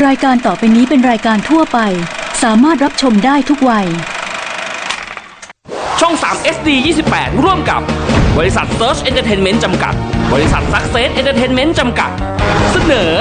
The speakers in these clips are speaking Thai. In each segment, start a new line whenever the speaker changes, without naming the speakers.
รายการต่อไปนี้เป็นรายการทั่วไปสามารถรับชมได้ทุกวัย
ช่อง3 SD 28ร่วมกับบริษัท Search Entertainment จำกัดบริษัท Success Entertainment จำกัดเสนอ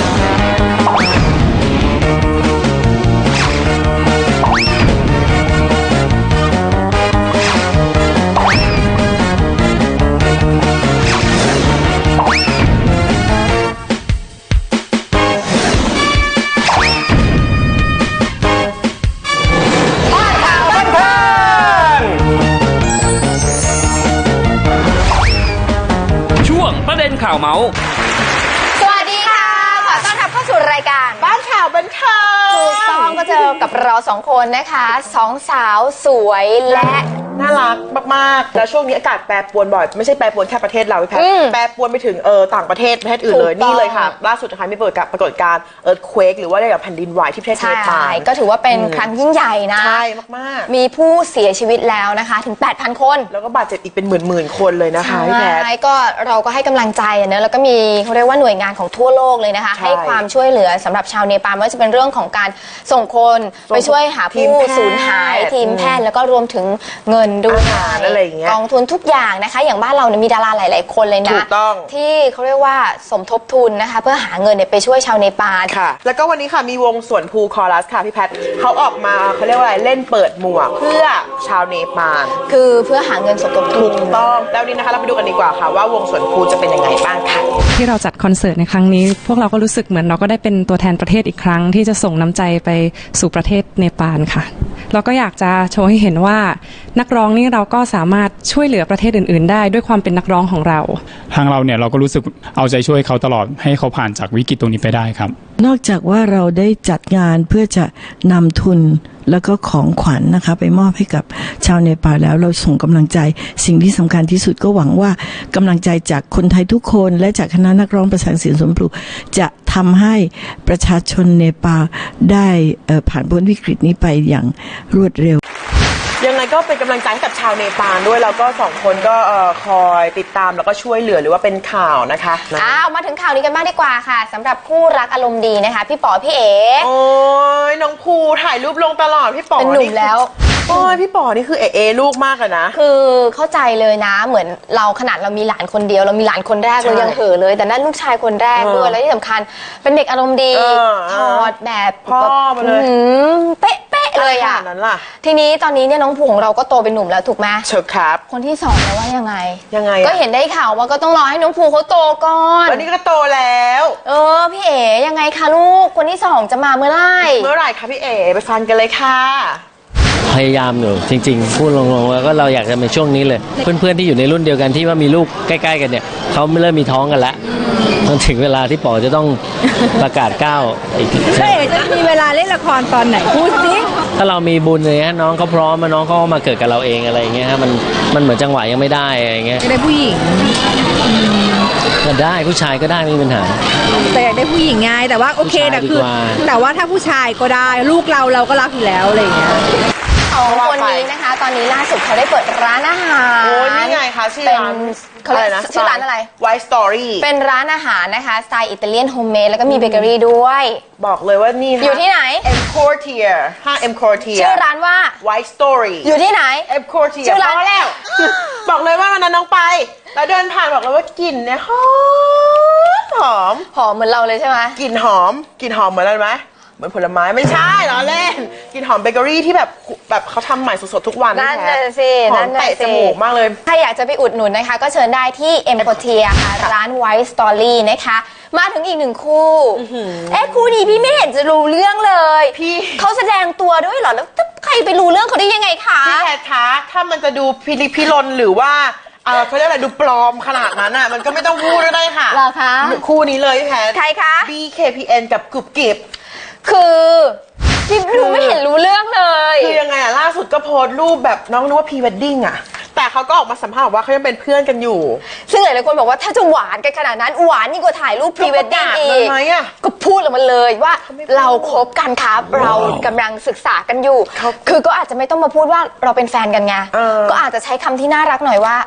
ข่าวเมาส์
สวัสดีค่ะขอต้อนรับเข้าสู่รายการ
บ้านข่าวบันเทิง
ถูกต้องก็เจอกับเราสองคนนะคะสองสาวสวยและ
น่ารักมากๆแล้วช่วงนี้อากาศแปรปรวนบ่อยไม่ใช่แปรปรวนแค่ประเทศเราพี่แพทแปรปรวนไปถึงต่างประเทศอื่นเลยนี่เลยค่ะล่าสุดนะคะมีปรากฏการณ์earthquake หรือว่าได้แบบแผ่นดินไหวที่ประเทศเนปาล
ก็ถือว่าเป็นครั้งยิ่งใหญ่นะ
ใช่มาก
ๆมีผู้เสียชีวิตแล้วนะคะถึง 8,000 คน
แล้วก็บาดเจ็บอีกเป็นหมื่นคนเลยนะคะพี่แพท
ก็เราก็ให้กำลังใจนะแล้วก็มีเขาเรียกว่าหน่วยงานของทั่วโลกเลยนะคะให้ความช่วยเหลือสำหรับชาวเนปาลไม่ว่าจะเป็นเรื่องของการส่งคนไปช่วยหาผู้สูญหายทีมแพทย์แล้วก็รวมถึงเงินด้วยกองทุนทุกอย่างนะคะอย่างบ้านเราเนี่ยมีดาราหลายๆคนเลยนะที่เขาเรียกว่าสมทบทุนนะคะเพื่อหาเงินเนี่ยไปช่วยชาวเนปาล
ค่ะแล้วก็วันนี้ค่ะมีวงสวนภูคอรัสค่ะพี่แพทเขาออกมาเขาเรียกว่าอะไรเล่นเปิดหมวกเพื่อชาวเนปาล
คือเพื่อหาเงินสมทบทุน
ถูกต้องแล้วนี้นะคะเราไปดูกันดีกว่าค่ะว่าวงสวนภูจะเป็นยังไงบ้างค่ะ
ที่เราจัดคอนเสิร์ตในครั้งนี้พวกเราก็รู้สึกเหมือนเราก็ได้เป็นตัวแทนประเทศอีกครั้งที่จะส่งน้ำใจไปสู่ประเทศเนปาลค่ะเราก็อยากจะโชว์ให้เห็นว่านักร้องนี่เราก็สามารถช่วยเหลือประเทศอื่นๆได้ด้วยความเป็นนักร้องของเรา
ทางเราเนี่ยเราก็รู้สึกเอาใจช่วยเขาตลอดให้เขาผ่านจากวิกฤตตรงนี้ไปได้ครับ
นอกจากว่าเราได้จัดงานเพื่อจะนำทุนแล้วก็ของขวัญนะคะไปมอบให้กับชาวเนปาลแล้วเราส่งกำลังใจสิ่งที่สำคัญที่สุดก็หวังว่ากำลังใจจากคนไทยทุกคนและจากคณะนักร้องประสานเสียงสมปลูกจะทำให้ประชาชนเนปาลได้ผ่านพ้นวิกฤตนี้ไปอย่างรวดเร็ว
ยังไงก็เป็นกำลังใจให้กับชาวเนปาลด้วยแล้วก็สองคนก็คอยติดตามแล้วก็ช่วยเหลือหรือว่าเป็นข่าวนะคะ
มาถึงข่าวนี้กันบ้างดีกว่าค่ะสำหรับคู่รักอารมณ์ดีนะคะพี่ป๋อพี่เอ๋
โอ้ยน้องภูถ่ายรูปลงตลอดพี่ป๋อ
เป็นหนุ่มแล้ว
โอ้ยพี่ป๋อนี่คือลูกมากอะนะ
คือเข้าใจเลยนะเหมือนเราขนาดเรามีหลานคนเดียวเรามีหลานคนแรกเรายังเห่อเลยแต่นั่นลูกชายคนแรกด้วยแล้วที่สำคัญเป็นเด็กอารมณ์ดีถอดแบบ
พ่อมาเลย
เป๊ะเลยอ่ะ
นั้นล่ะ
ทีนี้ตอนนี้เนี่ยน้องภูของเราก็โตเป็นหนุ่มแล้วถูกไหม
เชิญครับ
คนที่2แล้วว่ายังไง
ก็
เห็นได้ข่าวว่าก็ต้องรอให้น้องภูเขาโตก่อน
วันนี้ก็โตแล้ว
พี่เอ๋ยังไงคะลูกคนที่2จะมาเมื่อไห
ร่คะพี่เอ๋ไปฟังกันเลยค่ะ
พยายามอยู่จริงๆพูดลงๆแล้วก็เราอยากจะเป็นช่วงนี้เลยเพื่อนๆที่อยู่ในรุ่นเดียวกันที่ว่ามีลูกใกล้ๆกันเนี่ยเขาเริ่มมีท้องกันแล้วมันถึงเวลาที่ป๋อจะต้องประกาศก้าวอีก
ใช่จะมีเวลาเล่นละครตอนไหนพูดสิ
ถ้าเรามีบุญเลยฮะน้องเขาพร้อมน้องเขามาเกิดกับเราเองอะไรอย่างเงี้ยฮะมันเหมือนจังหวะยังไม่ได้อะไรอย่างเงี้ย
ได้ผู้หญิง
ก็ได้ผู้ชายก็ได้ไม่มีปัญหา
แต่อยากได้ผู้หญิงไงแต่ว่าโอเคแต่ว่าถ้าผู้ชายก็ได้ลูกเราก็รักอยู่แล้วอะไรอย่างเงี้ย
คนนี้นะคะตอนนี้ล่าสุดเขาได้เปิดร้านอาหาร
โอ้ยนี่ไงคะชื่อร้าน
ชื่อร้านอะไร
White Story
เป็นร้านอาหารนะคะสไตล์อิตาเลียนโฮมเมดแล้วก็มีเบเกอรี่ด้วย
บอกเลยว่านี่
อยู่ที่ไหน
M Quartier ห้าง M Quartier
ชื่อร้านว่า
White Story
อยู่ที่ไหน
M Quartier
ชื่อร้านแล้ว
บอกเลยว่าวันนั้นน้องไปแล้วเดินผ่านบอกเลยว่ากลิ่นเนี่ยหอม
เหมือนเราเลยใช่ไหม
กลิ่นหอมเหมือนอะไรไหมเหมือนผลไม้ไม่ใช่เหรอเล่นกินหอมเบเกอรี่ที่แบบเขาทำใหม่สดๆทุกวัน
นั่นน่ะสิ
หอมเตะจมูกมากเลย
ถ้าอยากจะไปอุดหนุนนะคะก็เชิญได้ที่ M Quartier ค่ะร้าน White Story นะคะมาถึงอีก1คู่คู่นี้พี่ไม่เห็นจะรู้เรื่องเลย
พี่
เขาแสดงตัวด้วยเหรอแล้วใครไปรู้เรื่องเขาได้ยังไงคะ
พี่แพทคะถ้ามันจะดูพิรนหรือว่าเขาเรียกอะไรดูปลอมขนาดนั้นอ่ะมันก็ไม่ต้องพูดก็ได้ค่ะ
เหรอคะ
คู่นี้เลยพี่แพท
ใครคะ
BKPN กับกรุบกริบ
คือพี่ดูไม่เห็นรู้เรื่องเลย
คือยังไงล่าสุดก็โพสต์รูปแบบน้องนึกว่าพรีเวดดิ้งแต่เขาก็ออกมาสัมภาษณ์ว่าเขายังเป็นเพื่อนกันอยู่
ซึ่งหลายคนบอกว่าถ้าจะหวานกันขนาดนั้นหวานยิ่งกว่าถ่ายรูปพรีเวดดิ้งอีกก็พูดออกมาเลยว่าเราคบกันครับเรากำลังศึกษากันอยู่คือก็อาจจะไม่ต้องมาพูดว่าเราเป็นแฟนกันไงก็อาจจะใช้คำที่น่ารักหน่อยว่า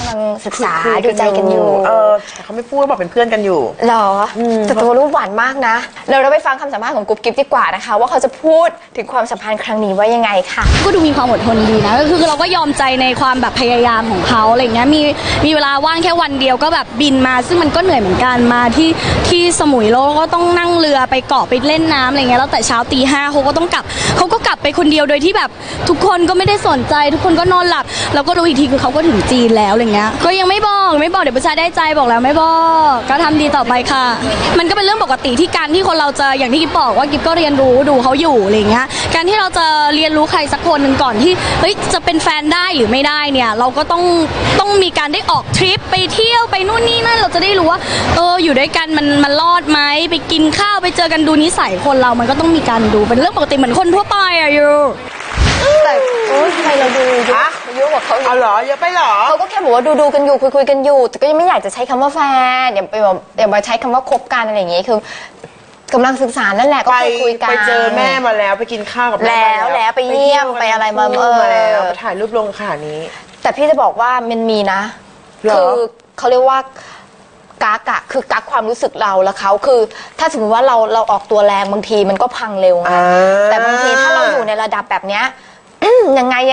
ำลังศึกษาดูใจกันอยู่
แต่เขาไม่พูดบอกเป็นเพื่อนกันอยู่
หรอแต่ตัวรูปหวานมากนะเราไปฟังคำสัมภาษณ์ของกุ๊บกิ๊บดีกว่านะคะว่าเขาจะพูดถึงความสัมพันธ์ครั้งนี้ว่ายังไงค่ะ
ก็ดูมีความอดทนดีนะก็คือเราก็ยอมใจในความแบบพยายามของเขาอะไรเงี้ยมีเวลาว่างแค่วันเดียวก็แบบบินมาซึ่งมันก็เหนื่อยเหมือนกันมาที่สมุยแล้วก็ต้องนั่งเรือไปเกาะไปเล่นน้ำอะไรเงี้ยแล้วแต่เช้าตี 5เขาก็ต้องกลับเขาก็กลับไปคนเดียวโดยที่แบบทุกคนก็ไม่ได้สนใจทุกคนก็นอนหลับแล้วก็รู้อีกทีคือเขาก็ถึงจีนแล้วอะไรเงี้ยก็ยังไม่บอกเดี๋ยวผู้ชายได้ใจบอกแล้วไม่บอกก็ทำดีต่อไปค่ะมันก็เป็นเรื่องปกติที่การที่คนเราจะอย่างที่กิ๊บบอกว่ากิ๊บก็เรียนรู้ดูเขาอยู่อะไรเงี้ยการที่เราจะเรียนรู้ใครสักคนหนึ่งก่อนที่เฮ้ยจะเป็นแฟนได้หรือไม่ได้เนี่ยเราก็ต้องมีการได้ออกทริปไปเที่ยวไปนู่นนี่นั่นเราจะได้รู้ว่าอยู่ด้วยกันมันรอดไหมไปกินข้าวไปเจอกันดูนิสัยคนเรามันก็ต้องมีการดูเป็นเรื่องปกติเหมือนคนทั่วไปอะอยู่
แต่ทำไมเราดูเยอะกว่าเขา
เอาเหรอเยอะไปเหรอ
เขาก็แค่บอกว่าดูกันอยู่คุยกันอยู่แต่ก็ยังไม่อยากจะใช้คำว่าแฟนอย่ามาใช้คำว่าคบกันอะไรอย่างเงี้ยคือกำลังศึกษานั่นแหละก็คุยกัน
ไปเจอแม่มาแล้วไปกินข้าวกับแม่
แล้วไปเยี่ยมไปอะไรมา
แล้วไปถ่ายรูปลงขนาดนี้
แต่พี่จะบอกว่ามันมีนะคือเขาเรียกว่ากักอะคือกักความรู้สึกเราแล้วเขาคือถ้าสมมติว่าเราออกตัวแรงบางทีมันก็พังเร็วไงแต่บางทีถ้าเราอยู่ในระดับแบบเนี้ยยังไง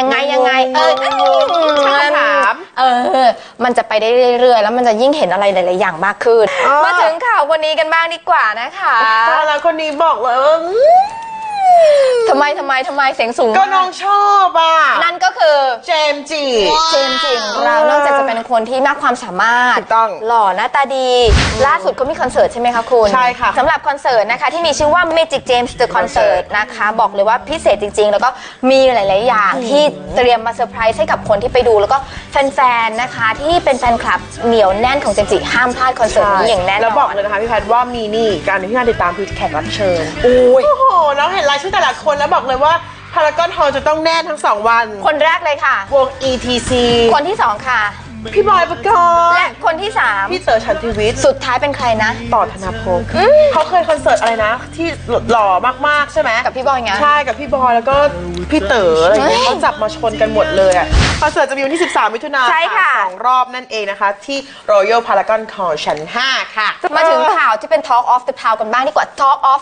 ถามมันจะไปได้เรื่อยๆแล้วมันจะยิ่งเห็นอะไรหลายๆอย่างมากขึ้นมาถึงข่าวคนนี้กันบ้างดีกว่านะคะ
แล้วคนนี้บอกเลยว่า
ทำไมเสียงสูง
ก็น้องชอบอ่ะ
นั่นก็คือ
เจมส์จิ
ของเรานอกจากจะเป็นคนที่มากความสามารถหล่อหน้าตาดีล่าสุดก็มีคอนเสิร์ตใช่ไหมคะคุณ
ใช่ค่ะ
สำหรับคอนเสิร์ตนะคะที่มีชื่อว่า Magic James The Concert นะคะบอกเลยว่าพิเศษจริงๆแล้วก็มีหลายๆอย่างที่เตรียมมาเซอร์ไพรส์ให้กับคนที่ไปดูแล้วก็แฟนๆนะคะที่เป็นแฟนคลับเหนียวแน่นของเจมส์จิห้ามพลาดคอนเสิร์ตนี้อย่างแน่นอน
แล้วบอกเลยนะคะพี่แพทย์ว่ามีนี่การที่น่าติดตามคือแขกรับเชิญโอ้โหน้องเห็นรายชื่อแต่ละคนแล้วบอกเลยว่าพารากอนฮอลล์จะต้องแน่นทั้ง2 วัน
คนแรกเลยค่ะ
วง ETC
คนที่2ค่ะ
พี่บอยปกรณ์
และคนที่3
พี่เต๋อฉันทวิทย์
สุดท้ายเป็นใครนะ
ต่อธนภพเขาเคยคอนเสิร์ตอะไรนะที่หล่อมากๆใช่ไหม
กับพี่บอยไง
ใช่กับพี่บอยแล้วก็พี่เต๋ออะไรเงี้ยเขาจับมาชนกันหมดเลยอ่ะคอนเสิร์ตจะมีวันที่13 มิถุนายน2 รอบนั่นเองนะคะที่ Royal Paragon Hall ชั้น 5 ค่ะ
มาถึงข่าวที่เป็น Talk of the Town กันบ้างดีกว่า Talk of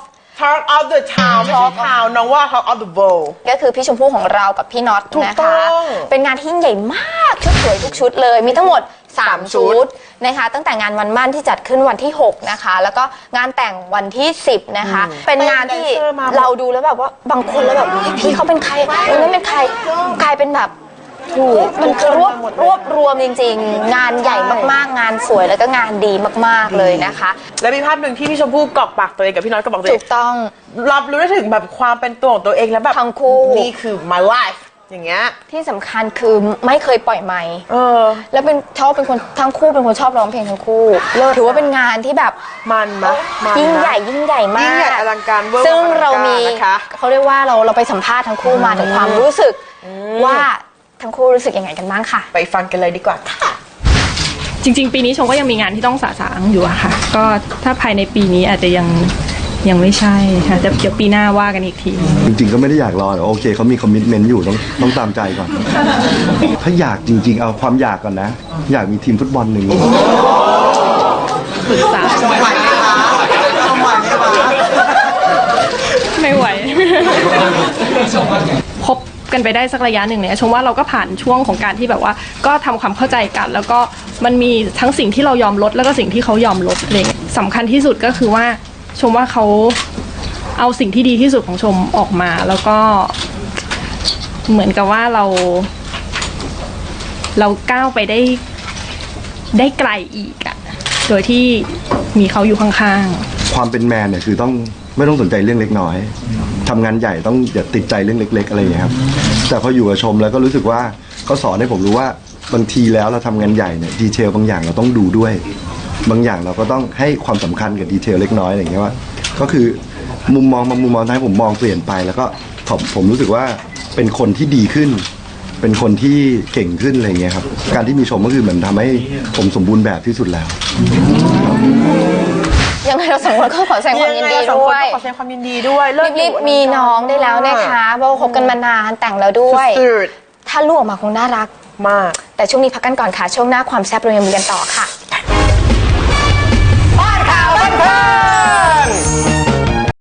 the Town ไม่ใช่ Town น้องว่า Talk of the World
ก็คือพี่ชมพู่ของเรากับพี่น็อตนะคะเป็นงานที่ยิ่งใหญ่มากชุดสวยทุกชุดเลยมีทั้งหมด3 ชุดนะคะตั้งแต่งานวันมั่นที่จัดขึ้นวันที่6นะคะแล้วก็งานแต่งวันที่10นะคะเป็นงานที่เราดูแล้วแบบว่าบางคนแล้วแบบพี่เขาเป็นใครนั่นเป็นใครกลายเป็นแบบมันคือรวบรวมจริงๆงานใหญ่มากๆงานสวยแล้วก็งานดีมากๆเลยนะคะ
และมีภาพหนึ่งที่พี่ชมพู่กรอกปากตัวเองกับพี่น้อยก็บอกตัวเอง
ถูกต้อง
รับรู้ได้ถึงแบบความเป็นตัวของตัวเองแล้วแบบ
ทั้งคู่
นี่คือ my life อย่างเงี้ย
ที่สำคัญคือไม่เคยปล่อยไมค์แล้วเป็นคนทั้งคู่เป็นคนชอบร้องเพลงทั้งคู่ถือว่าเป็นงานที่แบบ
มัน
ยิ่งใหญ่มากยิ่งใหญ่
อลังการเวอร์
ซึ่งเรามีเขาเรียกว่าเราไปสัมภาษณ์ทั้งคู่มาถึงความรู้สึกว่าทั้งคู่รู้สึกยังไงกันบ้างค่ะ
ไปฟังกันเลยดีกว่าค่ะ
จริงๆปีนี้ชมก็ยังมีงานที่ต้องสะสางอยู่อะค่ะก็ถ้าภายในปีนี้อาจจะยังไม่ใช่ค่ะแต่เดี๋ยวปีหน้าว่ากันอีกที
จริงๆก็ไม่ได้อยากรอแต่โอเคเขามีคอมมิตเมนต์อยู่ต้องตามใจก่อนถ้าอยากจริงๆเอาความอยากก่อนนะอยากมีทีมฟุตบอลหนึ่ง
ปรึกษาไม่ไหวคบกันไปได้สักระยะหนึ่งเนี่ยชมว่าเราก็ผ่านช่วงของการที่แบบว่าก็ทำความเข้าใจกันแล้วก็มันมีทั้งสิ่งที่เรายอมลดแล้วก็สิ่งที่เขายอมลดอะไรเงี้ยสำคัญที่สุดก็คือว่าชมว่าเขาเอาสิ่งที่ดีที่สุดของชมออกมาแล้วก็เหมือนกับว่าเราก้าวไปได้ไกลอีกอะโดยที่มีเขาอยู่ข้าง
ๆความเป็นแมนเนี่ยคือไม่ต้องสนใจเรื่องเล็กน้อยทำงานใหญ่ต้องอย่าติดใจเรื่องเล็กๆอะไรอย่างเงี้ยครับแต่พออยู่กับชมแล้วก็รู้สึกว่าเขาสอนให้ผมรู้ว่าบางทีแล้วเราทำงานใหญ่เนี่ยดีเทลบางอย่างเราต้องดูด้วยบางอย่างเราก็ต้องให้ความสำคัญกับดีเทลเล็กน้อยอะไรอย่างเงี้ยว่าก็คือมุมมองทำให้ผมมองเปลี่ยนไปแล้วก็ผมรู้สึกว่าเป็นคนที่ดีขึ้นเป็นคนที่เก่งขึ้นอะไรอย่างเงี้ยครับการที่มีชมก็คือเหมือนทำให้ผมสมบูรณ์แบบที่สุดแล้ว
ยังไงเราสองคนก็ขอแสดงความยินดีด้วย
ขอแสดงความยินดีด้วย
รีบมีน้องได้แล้วนะคะเพราะคบกันมานานแต่งแล้วด้วยถ้าลูกออกมาคงน่ารัก
มาก
แต่ช่วงนี้พักกันก่อนค่ะช่วงหน้าความแซ่บเรายังมีกันต่อค่ะบ้านข่าวบันเทิง